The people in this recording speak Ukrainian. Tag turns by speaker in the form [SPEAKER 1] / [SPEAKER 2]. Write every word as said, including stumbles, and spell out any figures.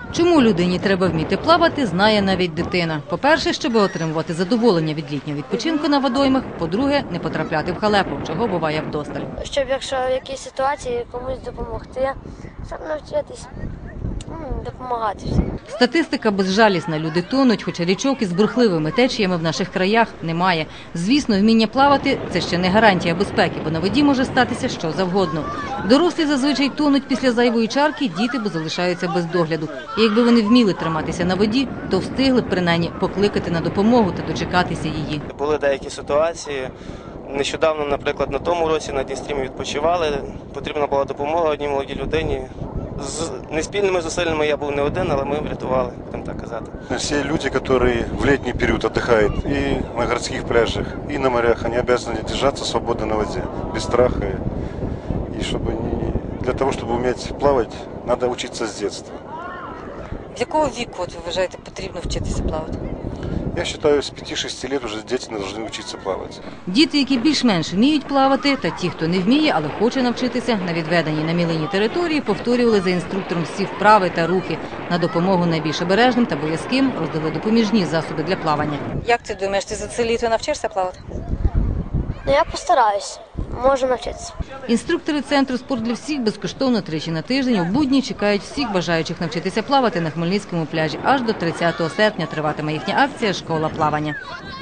[SPEAKER 1] Чому людині треба вміти плавати, знає навіть дитина. По-перше, щоб отримувати задоволення від літнього відпочинку на водоймах. По-друге, не потрапляти в халепу, чого буває вдосталь.
[SPEAKER 2] Щоб, якщо в якійсь ситуації комусь допомогти, щоб навчитись допомагати всім.
[SPEAKER 1] Статистика безжалісна. Люди тонуть, хоча річок із бурхливими течіями в наших краях немає. Звісно, вміння плавати – це ще не гарантія безпеки, бо на воді може статися що завгодно. Дорослі зазвичай тонуть після зайвої чарки, діти бо залишаються без догляду. І якби вони вміли триматися на воді, то встигли б принаймні покликати на допомогу та дочекатися її.
[SPEAKER 3] Були деякі ситуації. Нещодавно, наприклад, на тому році на Дністрі ми відпочивали. Потрібна була допомога одній молодій людині. З неспільними зусиллями я був не один, але ми врятували, будемо так казати.
[SPEAKER 4] Всі люди, які в літній період відпочивають і на городських пляжах, і на морях, вони обов'язані триматися свободно на воді, без страху. І щоб для того, щоб вміти плавати, треба вчитися з дитинства.
[SPEAKER 1] З якого віку, от, ви вважаєте, потрібно вчитися плавати?
[SPEAKER 4] Я вважаю, з п'яти-шести років вже діти повинні вчитися плавати.
[SPEAKER 1] Діти, які більш-менш вміють плавати, та ті, хто не вміє, але хоче навчитися, на відведеній на мілині території повторювали за інструктором всі вправи та рухи. На допомогу найбільш обережним та боязким роздали допоміжні засоби для плавання. Як ти думаєш, ти за це літо навчишся плавати?
[SPEAKER 2] Ну, я постараюсь, можу навчитися.
[SPEAKER 1] Інструктори центру «Спорт для всіх» безкоштовно тричі на тиждень у будні чекають всіх бажаючих навчитися плавати на Хмельницькому пляжі. Аж до тридцятого серпня триватиме їхня акція «Школа плавання».